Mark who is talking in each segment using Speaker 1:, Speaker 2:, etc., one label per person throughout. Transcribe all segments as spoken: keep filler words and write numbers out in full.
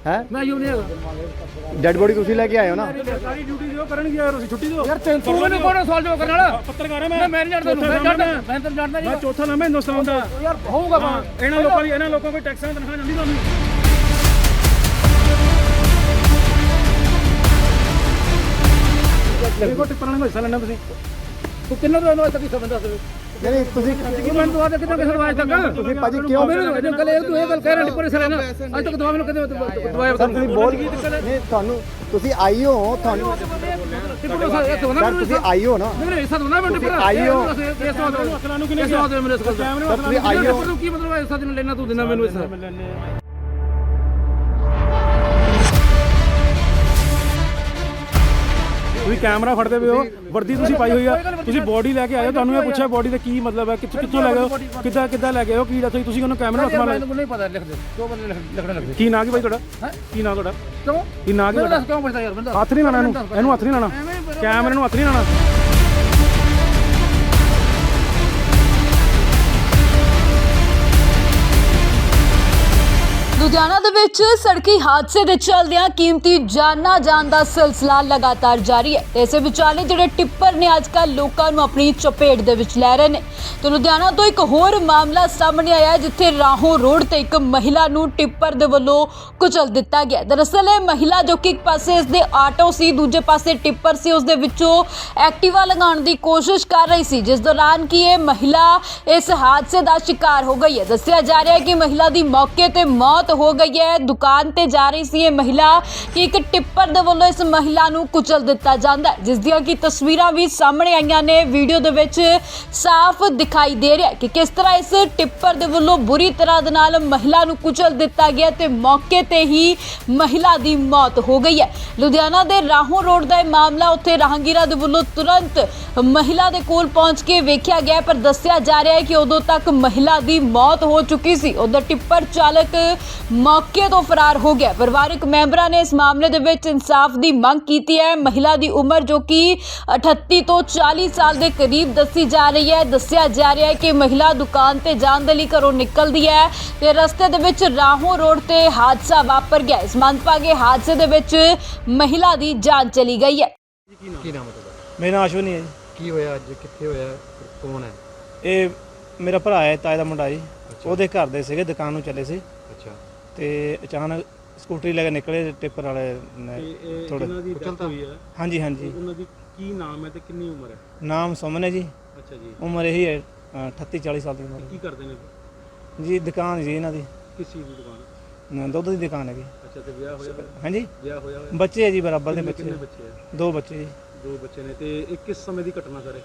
Speaker 1: ਹੈ
Speaker 2: ਮੈਂ ਯੂ ਨਹੀਂ
Speaker 1: ਡੈਡ ਬੋਡੀ ਤੁਸੀਂ ਲੈ ਕੇ ਆਏ ਹੋ ਨਾ
Speaker 2: ਸਾਰੀ ਡਿਊਟੀ ਦਿਓ ਕਰਨਗੇ ਯਾਰ ਤੁਸੀਂ ਛੁੱਟੀ ਦਿਓ ਯਾਰ ਤੂੰ ਮੈਨੂੰ ਕੋਣ ਸਵਾਲ ਜਵਾਬ ਕਰਨ ਵਾਲਾ ਪੱਤਰਕਾਰ ਮੈਂ ਮੈਂ ਨਹੀਂ ਜਾਣਦਾ ਮੈਂ ਜਾਣਦਾ ਮੈਂ ਤਾਂ ਜਾਣਦਾ ਨਹੀਂ ਮੈਂ ਚੌਥਾ ਨਾਮ ਹੈ ਹਿੰਦੁਸਤਾਨ ਦਾ ਯਾਰ ਹੋਊਗਾ ਇਹਨਾਂ ਲੋਕਾਂ ਦੀ ਇਹਨਾਂ ਲੋਕਾਂ ਕੋਈ ਟੈਕਸਾਂ ਤਨਖਾਹ ਜਾਂਦੀ ਤੁਹਾਨੂੰ ਦੇਖੋ ਟਿੱਪਰ ਵਾਲੇ ਨੂੰ ਹਿੱਸਾ ਲੈਣਾ ਤੁਸੀਂ ਤੂੰ ਕਿੰਨਾ ਤੋਂ ਇਹਨੂੰ ਤੱਕ ਹਿੱਸਾ ਬੰਦਾ ਸਵੇ
Speaker 1: ਨਹੀਂ ਤੁਸੀਂ
Speaker 2: ਮੈਨੂੰ ਦਵਾ ਦੇ ਕਿੰਨਾ ਕਿਸੇ ਨੂੰ ਅੱਜ ਤੱਕ
Speaker 1: ਤੁਸੀਂ ਭਾਜੀ ਕਿਉਂ
Speaker 2: ਮੈਨੂੰ ਕੱਲ ਇਹ ਤੂੰ ਇਹ ਗੱਲ ਕਹਿ ਰਿਹਾ ਟਿੱਪਰ ਹਿੱਸਾ ਲੈਣਾ ਅੱਜ ਤੱਕ ਦਵਾ ਮੈਨੂੰ ਕਦੇ ਦਵਾਇਆ
Speaker 1: ਸਰ ਤੁਸੀਂ ਬੋਲ ਨਹੀਂ ਤੁਹਾਨੂੰ ਤੁਸੀਂ ਆਈ ਹੋ ਤੁਹਾਨੂੰ ਸਰ ਤੁਸੀਂ ਆਈ ਹੋ ਨਾ
Speaker 2: ਨਹੀਂ ਹਿੱਸਾ ਦੋਨਾ ਮੈਂ ਟਿੱਪਰ
Speaker 1: ਆਈ ਹੋ
Speaker 2: ਇਸ ਤੋਂ ਅਸਲਾਂ ਨੂੰ ਕਿੰਨੇ ਹਿੱਸਾ ਦੇ ਮੇਰੇ ਇਸ ਕੋਲ
Speaker 1: ਤੁਸੀਂ ਆਈ ਹੋ
Speaker 2: ਕੀ ਮਤਲਬ ਹਿੱਸਾ ਦੇਣ ਲੈਣਾ ਤੂੰ ਦੇਣਾ ਮੈਨੂੰ ਹਿੱਸਾ ਤੁਸੀਂ ਕੈਮਰਾ ਫੜਦੇ ਪਏ ਹੋ ਵਰਦੀ ਤੁਸੀਂ ਪਾਈ ਹੋਈ ਆ ਤੁਸੀਂ ਬੋਡੀ ਲੈ ਕੇ ਆਏ ਹੋ ਤੁਹਾਨੂੰ ਇਹ ਪੁੱਛਿਆ ਬੋਡੀ ਦਾ ਕੀ ਮਤਲਬ ਹੈ ਕਿੱਥੋਂ ਕਿੱਥੋਂ ਲੈ ਗਏ ਹੋ ਕਿੱਦਾਂ ਕਿੱਦਾਂ ਲੈ ਗਏ ਹੋ ਕੀ ਦੱਸੋ ਤੁਸੀਂ ਉਹਨੂੰ ਕੈਮਰਾ ਹੱਥ ਮਾਰ ਮੈਨੂੰ ਨਹੀਂ ਪਤਾ ਲਿਖ ਦੇ ਦੋ ਬੰਦੇ ਲਿਖਣੇ ਲੱਗਦੇ ਕੀ ਨਾਂ ਕੀ ਭਾਈ ਤੁਹਾਡਾ ਕੀ ਨਾਂ ਤੁਹਾਡਾ ਕਿਉਂ ਕੀ ਨਾਂ ਕੀ ਤੁਹਾਡਾ ਕਿਉਂ ਪੁੱਛਦਾ ਯਾਰ ਬੰਦਾ ਹੱਥ ਨਹੀਂ ਲਾਣਾ ਇਹਨੂੰ ਇਹਨੂੰ ਹੱਥ ਨਹੀਂ ਲਾਣਾ ਕੈਮਰੇ ਨੂੰ ਹੱਥ ਨਹੀਂ ਲਾਣਾ
Speaker 3: ਲੁਧਿਆਣਾ ਦੇ ਵਿੱਚ ਸੜਕੀ ਹਾਦਸੇ ਦੇ ਚੱਲਦਿਆਂ ਕੀਮਤੀ ਜਾਨਾਂ ਜਾਣ ਦਾ ਸਿਲਸਿਲਾ ਲਗਾਤਾਰ ਜਾਰੀ ਹੈ ਤੇ ਇਸੇ ਵਿਚਾਲੇ ਜਿਹੜੇ ਟਿੱਪਰ ਨੇ ਅੱਜਕੱਲ ਲੋਕਾਂ ਨੂੰ ਆਪਣੀ ਚਪੇਟ ਦੇ ਵਿੱਚ ਲੈ ਰਹੇ ਨੇ ਤੇ ਲੁਧਿਆਣਾ ਤੋਂ ਇੱਕ ਹੋਰ ਮਾਮਲਾ ਸਾਹਮਣੇ ਆਇਆ ਜਿੱਥੇ ਰਾਹੋਂ ਰੋਡ ਤੇ ਇੱਕ ਮਹਿਲਾ ਨੂੰ ਟਿੱਪਰ ਦੇ ਵੱਲੋਂ ਕੁਚਲ ਦਿੱਤਾ ਗਿਆ। ਦਰਅਸਲ ਇਹ ਮਹਿਲਾ ਜੋ ਕਿ ਇੱਕ ਪਾਸੇ ਇਸਦੇ ਆਟੋ ਸੀ ਦੂਜੇ ਪਾਸੇ ਟਿੱਪਰ ਸੀ ਉਸ ਦੇ ਵਿੱਚੋਂ ਐਕਟਿਵਾ ਲਗਾਉਣ ਦੀ ਕੋਸ਼ਿਸ਼ ਕਰ ਰਹੀ ਸੀ ਜਿਸ ਦੌਰਾਨ ਕਿ ਇਹ ਮਹਿਲਾ ਇਸ ਹਾਦਸੇ ਦਾ ਸ਼ਿਕਾਰ ਹੋ ਗਈ ਹੈ। ਦੱਸਿਆ ਜਾ ਰਿਹਾ ਹੈ ਕਿ ਮਹਿਲਾ ਦੀ ਮੌਕੇ ਤੇ ਮੌਤ ਹੋ ਗਈ ਹੈ। ਦੁਕਾਨ ਤੇ ਜਾ ਰਹੀ ਸੀ ਇਹ ਮਹਿਲਾ ਕਿ ਇੱਕ ਟਿੱਪਰ ਦੇ ਵੱਲੋਂ ਇਸ ਮਹਿਲਾ ਨੂੰ ਕੁਚਲ ਦਿੱਤਾ ਜਾਂਦਾ ਜਿਸ ਦੀਆਂ ਕਿ ਤਸਵੀਰਾਂ ਵੀ ਸਾਹਮਣੇ ਆਈਆਂ ਨੇ। ਵੀਡੀਓ ਦੇ ਵਿੱਚ ਸਾਫ਼ ਦਿਖਾਈ ਦੇ ਰਿਹਾ ਕਿ ਕਿਸ ਤਰ੍ਹਾਂ ਇਸ ਟਿੱਪਰ ਦੇ ਵੱਲੋਂ ਬੁਰੀ ਤਰ੍ਹਾਂ ਦੇ ਨਾਲ ਮਹਿਲਾ ਨੂੰ ਕੁਚਲ ਦਿੱਤਾ ਗਿਆ ਤੇ ਮੌਕੇ ਤੇ ਹੀ ਮਹਿਲਾ ਦੀ ਮੌਤ ਹੋ ਗਈ ਹੈ। ਲੁਧਿਆਣਾ ਦੇ ਰਾਹੋਂ ਰੋਡ ਦਾ ਇਹ ਮਾਮਲਾ ਉੱਥੇ ਰਾਹਗੀਰਾਂ ਦੇ ਵੱਲੋਂ ਤੁਰੰਤ ਮਹਿਲਾ ਦੇ ਕੋਲ ਪਹੁੰਚ ਕੇ ਵੇਖਿਆ ਗਿਆ ਪਰ ਦੱਸਿਆ ਜਾ ਰਿਹਾ ਹੈ ਕਿ ਉਦੋਂ ਤੱਕ ਮਹਿਲਾ ਦੀ ਮੌਤ ਹੋ ਚੁੱਕੀ ਸੀ। ਉਧਰ ਟਿੱਪਰ ਚਾਲਕ ਮੌਕੇ ਤੋਂ ਫਰਾਰ ਹੋ ਗਿਆ। ਪਰਿਵਾਰਕ ਮੈਂਬਰਾਂ ਨੇ ਇਸ ਮਾਮਲੇ ਦੇ ਵਿੱਚ ਇਨਸਾਫ ਦੀ ਮੰਗ ਕੀਤੀ ਹੈ। ਮਹਿਲਾ ਦੀ ਉਮਰ ਜੋ ਕਿ ਅਠੱਤੀ ਤੋਂ ਚਾਲੀ ਸਾਲ ਦੇ ਕਰੀਬ ਦੱਸੀ ਜਾ ਰਹੀ ਹੈ। ਦੱਸਿਆ ਜਾ ਰਿਹਾ ਹੈ ਕਿ ਮਹਿਲਾ ਦੁਕਾਨ ਤੇ ਜਾਣ ਦੇ ਲਈ ਘਰੋਂ ਨਿਕਲਦੀ ਹੈ ਤੇ ਰਸਤੇ ਦੇ ਵਿੱਚ ਰਾਹੋਂ ਰੋਡ ਤੇ ਹਾਦਸਾ ਵਾਪਰ ਗਿਆ। ਇਸ ਮੰਦਭਾਗੇ ਹਾਦਸੇ ਦੇ ਵਿੱਚ ਮਹਿਲਾ ਦੀ ਜਾਨ ਚਲੀ ਗਈ ਹੈ।
Speaker 4: ਕੀ ਨਾਮ ਹੈ ਤੁਹਾਡਾ?
Speaker 5: ਮੇਰਾ ਨਾਮ ਅਸ਼ਵਨੀ ਹੈ ਜੀ।
Speaker 4: ਕੀ ਹੋਇਆ ਅੱਜ ਕਿੱਥੇ ਹੋਇਆ ਕੌਣ ਹੈ?
Speaker 5: ਇਹ ਮੇਰਾ ਭਰਾ ਹੈ ਤਾਏ ਦਾ ਮੁੰਡਾ ਜੀ। ਉਹਦੇ ਘਰ ਦੇ ਸੀਗੇ ਦੁਕਾਨ ਨੂੰ ਚੱਲੇ ਸੀ
Speaker 4: ਅੱਛਾ
Speaker 5: ਤੇ ਅਚਾਨਕ ਸਕੂਟਰੀ ਲੈ ਕੇ ਨਿਕਲੇ ਟਿੱਪਰ ਵਾਲੇ ਨੇ ਥੋੜੇ
Speaker 2: ਦੀ ਡੈਥ ਹੋਈ ਹੈ
Speaker 5: ਹਾਂਜੀ ਹਾਂਜੀ
Speaker 2: ਉਹਨਾਂ ਦੀ ਕੀ ਨਾਮ ਹੈ ਤੇ ਕਿੰਨੀ ਉਮਰ ਹੈ?
Speaker 5: ਨਾਮ ਸੁਮਨ ਹੈ ਜੀ।
Speaker 2: ਅੱਛਾ ਜੀ
Speaker 5: ਉਮਰ ਇਹੀ ਹੈ ਅਠੱਤੀ ਚਾਲੀ ਸਾਲ ਦੀ ਉਮਰ
Speaker 2: ਕੀ ਕਰਦੇ ਨੇ
Speaker 5: ਜੀ। ਦੁਕਾਨ ਜੀ ਇਹਨਾਂ ਦੀ
Speaker 2: ਕਿਸ ਚੀਜ਼ ਦੀ ਦੁਕਾਨ?
Speaker 5: ਅ, ਦੁੱਧ ਦੀ ਦੁਕਾਨ ਹੈਗੀ।
Speaker 2: ਅੱਛਾ ਤੇ ਵਿਆਹ ਹੋਇਆ
Speaker 5: ਹਾਂਜੀ
Speaker 2: ਵਿਆਹ ਹੋਇਆ ਹੋਇਆ
Speaker 5: ਬੱਚੇ ਹੈ ਜੀ ਬਰਾਬਰ ਦੇ ਬੱਚੇ
Speaker 2: ਕਿੰਨੇ ਬੱਚੇ ਆ?
Speaker 5: ਦੋ ਬੱਚੇ ਜੀ।
Speaker 2: ਦੋ ਬੱਚੇ ਨੇ ਤੇ ਇਹ ਕਿਸ ਸਮੇਂ ਦੀ ਘਟਨਾ ਸਰ?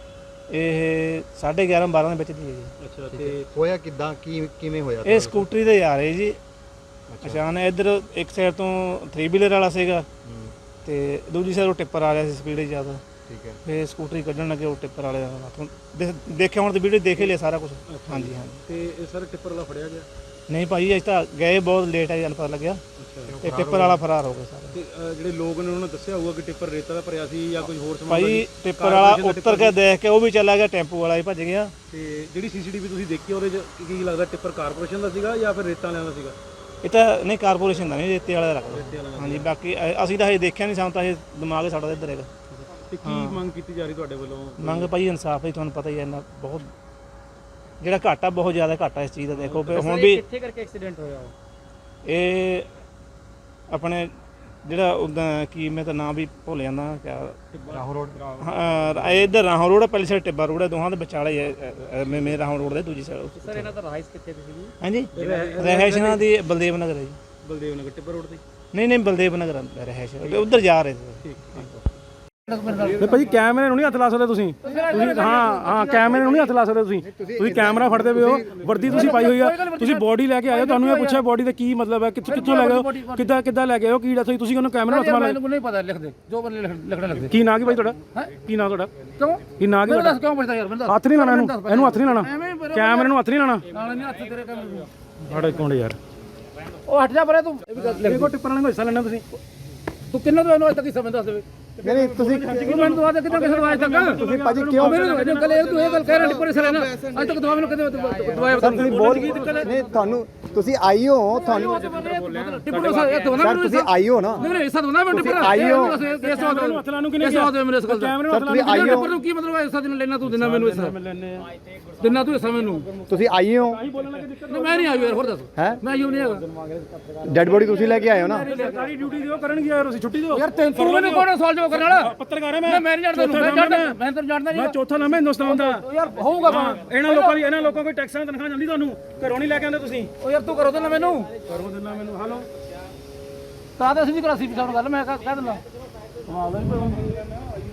Speaker 5: ਇਹ ਸਾਢੇ ਗਿਆਰਾਂ ਬਾਰਾਂ ਦੇ ਵਿੱਚ ਦੀ ਹੈ ਜੀ।
Speaker 2: ਅੱਛਾ
Speaker 4: ਠੀਕ
Speaker 2: ਤੇ
Speaker 4: ਹੈ। ਹੋਇਆ ਕਿੱਦਾਂ ਕੀ ਕਿਵੇਂ ਹੋਇਆ?
Speaker 5: ਇਹ ਸਕੂਟਰੀ ਤੇ ਜਾ ਰਹੇ ਜੀ। ਅਚਾਨਕ ਇੱਧਰ ਇੱਕ ਸਾਈਡ ਤੋਂ ਥਰੀ ਵੀਲਰ ਵਾਲਾ ਸੀਗਾ
Speaker 4: ਹੂੰ,
Speaker 5: ਤੇ ਦੂਜੀ ਸਾਈਡ ਉਹ ਟਿੱਪਰ ਆ ਰਿਹਾ ਸੀ ਸਪੀਡ ਜ਼ਿਆਦਾ।
Speaker 4: ਠੀਕ ਹੈ।
Speaker 5: ਫੇ ਸਕੂਟਰੀ ਕੱਢਣ ਲੱਗੇ ਉਹ ਟਿੱਪਰ ਵਾਲੇ ਹੱਥੋਂ ਦੇਖਿਆ ਹੁਣ ਤੇ ਵੀਡੀਓ ਦੇਖ ਹੀ ਲਿਆ ਸਾਰਾ ਕੁਝ। ਹਾਂਜੀ ਹਾਂਜੀ
Speaker 2: ਤੇ ਇਹ ਸਰ ਟਿੱਪਰ ਵਾਲਾ ਫੜਿਆ ਗਿਆ?
Speaker 5: ਨਹੀਂ ਭਾਈ ਅਜੇ ਤਾਂ ਗਏ ਬਹੁਤ ਲੇਟ ਹੈ ਜਨ ਪਤਾ ਲੱਗਿਆ
Speaker 2: ਅੱਛਾ
Speaker 5: ਤੇ ਟਿੱਪਰ ਵਾਲਾ ਫਰਾਰ ਹੋ ਗਿਆ ਸਾਰਾ।
Speaker 2: ਤੇ ਅ, ਜਿਹੜੇ ਲੋਕ ਨੇ ਉਹਨਾਂ ਨੇ ਦੱਸਿਆ ਹੋਊਗਾ ਕਿ ਟਿੱਪਰ ਰੇਤਾ ਦਾ ਭਰਿਆ ਸੀ ਜਾਂ ਕੋਈ ਹੋਰ ਸਮਾਨ
Speaker 5: ਭਾਈ ਟਿੱਪਰ ਵਾਲਾ ਉੱਤਰ ਕੇ ਦੇਖ ਕੇ ਉਹ ਵੀ ਚਲਾ ਗਿਆ, ਟੈਂਪੂ ਵਾਲਾ ਹੀ ਭੱਜ ਗਿਆ।
Speaker 2: ਤੇ ਜਿਹੜੀ ਸੀਸੀਟੀਵੀ ਤੁਸੀਂ ਦੇਖੀ ਉਹਦੇ ਚ ਕੀ ਲੱਗਦਾ ਟਿੱਪਰ ਕਾਰਪੋਰੇਸ਼ਨ ਦਾ ਸੀਗਾ ਜਾਂ ਫਿਰ ਰੇਤਾ ਵਾਲਿਆਂ ਦਾ ਸੀਗਾ?
Speaker 5: ਇਹ ਤਾਂ ਨਹੀਂ ਕਾਰਪੋਰੇਸ਼ਨ ਦਾ ਨਹੀਂ, ਰੇਤੇ ਵਾਲਾ ਦਾ
Speaker 2: ਰੇਤੇ
Speaker 5: ਰੱਖਦਾ।
Speaker 2: ਵਾਲਾ
Speaker 5: ਹਾਂਜੀ ਬਾਕੀ ਅ- ਅਸੀਂ ਤਾਂ ਹਜੇ ਦੇਖਿਆ ਨਹੀਂ, ਸਾਨੂੰ ਤਾਂ ਇਹ ਦਿਮਾਗ ਸਾਡਾ ਇੱਧਰ ਹੈਗਾ।
Speaker 2: ਤੇ ਕੀ ਮੰਗ ਕੀਤੀ ਜਾ ਰਹੀ ਤੁਹਾਡੇ ਵੱਲੋਂ?
Speaker 5: ਮੰਗ ਭਾਈ ਇਨਸਾਫ ਹੀ, ਤੁਹਾਨੂੰ ਪਤਾ ਹੀ ਹੈ ਇੰਨਾ ਬਹੁਤ ਜਿਹੜਾ ਘਾਟਾ ਬਹੁਤ ਜ਼ਿਆਦਾ ਘਾਟਾ ਇਸ ਚੀਜ਼ ਦਾ। ਦੇਖੋ ਹੁਣ ਵੀ
Speaker 2: ਕਿੱਥੇ ਕਰਕੇ ਐਕਸੀਡੈਂਟ ਹੋਇਆ?
Speaker 5: ਇਹ ਆਪਣੇ ਜਿਹੜਾ ਉਦਾਂ ਕੀ ਮੈਂ ਤਾਂ ਨਾਂ ਵੀ ਭੁੱਲ ਜਾਂਦਾ ਕਿਆ
Speaker 4: ਰਾਹੋਂ ਰੋਡ
Speaker 5: ਹਾਂ ਇੱਧਰ ਰਾਹੋਂ ਰੋਡ ਹੈ, ਪਹਿਲੀ ਸਾਈਡ ਟਿੱਬਾ ਰੋਡ ਹੈ, ਦੋਹਾਂ ਦੇ ਵਿਚਾਲੇ ਹੈ। ਮੇਰੇ ਰਾਹੋਂ ਰੋਡ ਦੇ ਦੂਜੀ ਸਾਈਡ।
Speaker 2: ਸਰ ਇਹਨਾਂ ਦਾ ਰਾਈਸ ਕਿੱਥੇ ਦੀ ਸੀਗੀ?
Speaker 5: ਹਾਂਜੀ ਰਹਿਸ਼ ਇਹਨਾਂ ਦੀ ਬਲਦੇਵ ਨਗਰ ਹੈ ਜੀ।
Speaker 2: ਬਲਦੇਵ ਨਗਰ ਟਿੱਬਰ ਰੋਡ ਤੇ?
Speaker 5: ਨਹੀਂ ਨਹੀਂ ਬਲਦੇਵ ਨਗਰ ਰਹਿਸ਼ ਉੱਧਰ ਜਾ ਰਹੇ ਸੀ।
Speaker 2: ਠੀਕ ਠੀਕ
Speaker 6: ਨਹੀਂ ਭਾਜੀ ਕੈਮਰੇ ਨੂੰ ਨਹੀਂ ਹੱਥ ਲਾ ਸਕਦੇ ਤੁਸੀਂ ਤੁਸੀਂ ਹਾਂ ਹਾਂ ਕੈਮਰੇ ਨੂੰ ਨਹੀਂ ਹੱਥ ਲਾ ਸਕਦੇ ਤੁਸੀਂ ਤੁਸੀਂ ਕੈਮਰਾ ਫੜਦੇ ਪਏ ਹੋ ਵਰਦੀ ਤੁਸੀਂ ਪਾਈ ਹੋਈ ਆ ਤੁਸੀਂ ਬੋਡੀ ਲੈ ਕੇ ਆਏ ਹੋ ਤੁਹਾਨੂੰ ਇਹ ਪੁੱਛਿਆ ਬੋਡੀ ਦਾ ਕੀ ਮਤਲਬ ਹੈ ਕਿੱਥੋਂ ਕਿੱਥੋਂ ਲੈ ਗਏ ਹੋ ਕਿੱਦਾਂ ਕਿੱਦਾਂ ਲੈ ਕੇ ਆਏ ਹੋ ਕੀ ਦੱਸੋ ਤੁਸੀਂ ਉਹਨੂੰ ਕੈਮਰਾ ਹੱਥ ਮਾਰ
Speaker 2: ਮੈਨੂੰ ਨਹੀਂ ਪਤਾ ਲਿਖ ਦੇ ਜੋ ਬੰਦੇ ਲਿਖਣੇ ਲੱਗਦੇ
Speaker 6: ਕੀ ਨਾਂ ਕੀ ਭਾਈ ਤੁਹਾਡਾ ਕੀ ਨਾਂ ਤੁਹਾਡਾ
Speaker 2: ਕਿਉਂ
Speaker 6: ਕੀ ਨਾਂ ਕੀ ਤੁਹਾਡਾ
Speaker 2: ਕਿਉਂ ਪੁੱਛਦਾ ਯਾਰ ਬੰਦਾ
Speaker 6: ਹੱਥ ਨਹੀਂ ਲਾਣਾ ਇਹਨੂੰ ਇਹਨੂੰ ਹੱਥ ਨਹੀਂ ਲਾਣਾ ਕੈਮਰੇ ਨੂੰ ਹੱਥ ਨਹੀਂ ਲਾਣਾ
Speaker 2: ਨਾਲ ਨਹੀਂ ਹੱਥ ਤੇਰੇ ਕੰਮ
Speaker 6: ਸਾਡੇ ਕੋਲ ਯਾਰ
Speaker 2: ਉਹ ਹਟ ਜਾ ਪਰੇ ਤੂੰ ਇਹ ਵੀ ਗੱਲ
Speaker 6: ਦੇਖੋ ਟਿੱਪਰ ਵਾਲੇ ਨੂੰ ਹਿੱਸਾ ਲੈਣਾ ਤੁਸੀਂ
Speaker 2: ਤੂੰ ਕਿੰਨਾ ਤੋਂ ਇਹਨੂੰ ਅੱਜ ਤੱਕ ਹਿੱਸਾ ਬੰਦਾ ਸਵੇ
Speaker 1: ਨਹੀਂ ਤੁਸੀਂ
Speaker 2: ਮੈਨੂੰ ਦਵਾ ਦੇ ਕਿੰਨਾ ਕਿਸੇ ਨੂੰ ਅੱਜ ਤੱਕ
Speaker 1: ਤੁਸੀਂ ਭਾਜੀ ਕਿਉਂ
Speaker 2: ਮੈਨੂੰ ਕੱਲ ਇਹ ਤੂੰ ਇਹ ਗੱਲ ਕਹਿ ਰਿਹਾ ਟਿੱਪਰ ਹਿੱਸਾ ਲੈਣਾ ਅੱਜ ਤੱਕ ਦਵਾ ਮੈਨੂੰ ਕਦੇ ਦਵਾਇਆ
Speaker 1: ਸਰ ਤੁਸੀਂ ਬੋਲ ਨਹੀਂ ਤੁਹਾਨੂੰ ਤੁਸੀਂ ਆਈ ਹੋ ਤੁਹਾਨੂੰ
Speaker 2: ਟਿੱਪਰ ਇਹ ਦੋ ਨਾ
Speaker 1: ਸਰ ਤੁਸੀਂ ਆਈ ਹੋ ਨਾ
Speaker 2: ਨਹੀਂ ਨਹੀਂ ਐਸਾ ਦੋ ਨਾ ਮੈਂ ਟਿੱਪਰ
Speaker 1: ਆਈ ਹੋ
Speaker 2: ਇਸ ਵਾਰ
Speaker 6: ਨੂੰ ਹੱਥ ਲਾਉਣ ਨੂੰ ਕਿਹਨੇ
Speaker 2: ਇਸ ਵਾਰ ਮੇਰੇ ਸਕਲ ਦਾ
Speaker 6: ਕੈਮਰੇ ਨੂੰ
Speaker 1: ਸਰ ਤੁਸੀਂ ਆਈ ਹੋ
Speaker 2: ਟਿੱਪਰ ਨੂੰ ਕੀ ਮਤਲਬ ਐਸਾ ਦਿਨ ਲੈਣਾ ਤੂੰ ਦਿਨਾ ਮੈਨੂੰ ਐਸਾ ਦਿਨਾ ਤੂੰ ਐਸਾ ਮੈਨੂੰ
Speaker 1: ਤੁਸੀਂ ਆਈ ਹੋ
Speaker 2: ਮੈਂ ਨਹੀਂ ਆਇਆ ਯਾਰ ਹੋਰ ਦੱਸ
Speaker 1: ਹੈ
Speaker 2: ਮੈਂ ਯੂ ਨਹੀਂ ਹੈਗਾ
Speaker 1: ਡੈਡ ਬੋਡੀ ਤੁਸੀਂ ਲੈ ਕੇ ਆਏ ਹੋ ਨਾ
Speaker 6: ਸਰਕਾਰੀ ਡਿਊਟੀ ਦਿਓ ਕਰਨਗੇ ਯਾਰ ਤੁਸੀਂ ਛੁੱਟੀ ਦਿਓ
Speaker 2: ਯਾਰ ਤੈਨੂੰ ਤੂੰ ਮੈਨੂੰ ਕੋਣ ਸਵਾਲ ਜਵਾਬ ਕਰਨ ਵਾਲਾ
Speaker 6: ਪੱਤਰਕਾਰ ਹੈ ਮੈਂ
Speaker 2: ਮੈਂ ਨਹੀਂ ਜਾਣਦਾ ਮੈਂ ਜਾਣਦਾ ਮੈਂ ਤੈਨੂੰ ਜਾਣਦਾ
Speaker 6: ਮੈਂ
Speaker 2: ਨਹੀਂ
Speaker 6: ਚੌਥਾ ਨਾਮ ਹੈ ਹਿੰਦੁਸਤਾਨ ਦਾ
Speaker 2: ਯਾਰ ਹੋਊਗਾ ਬਾ
Speaker 6: ਇਹਨਾਂ ਲੋਕਾਂ ਦੀ ਇਹਨਾਂ ਲੋਕਾਂ ਕੋਈ ਟੈਕਸਾਂ ਤਨਖਾਹ ਜਾਂਦੀ ਤੁਹਾਨੂੰ ਘਰੋਂ ਨਹੀਂ ਲੈ ਕੇ ਆਉਂਦੇ ਤੁਸੀਂ
Speaker 2: ਉਹ ਯਾਰ ਤੂੰ ਕਰੋ ਦੇਣਾ ਮੈਨੂੰ
Speaker 6: ਘਰੋਂ ਦਿੰਦਾ ਮੈਨੂੰ ਹਾਲੋ
Speaker 2: ਤਾਂ ਤਾਂ ਅਸੀਂ ਵੀ ਕਰਾਸੀ ਪਿਛਾਉਣ ਗੱਲ ਮੈਂ ਕਹਿ ਦਿੰਦਾ ਕਮਾਲ ਦਾ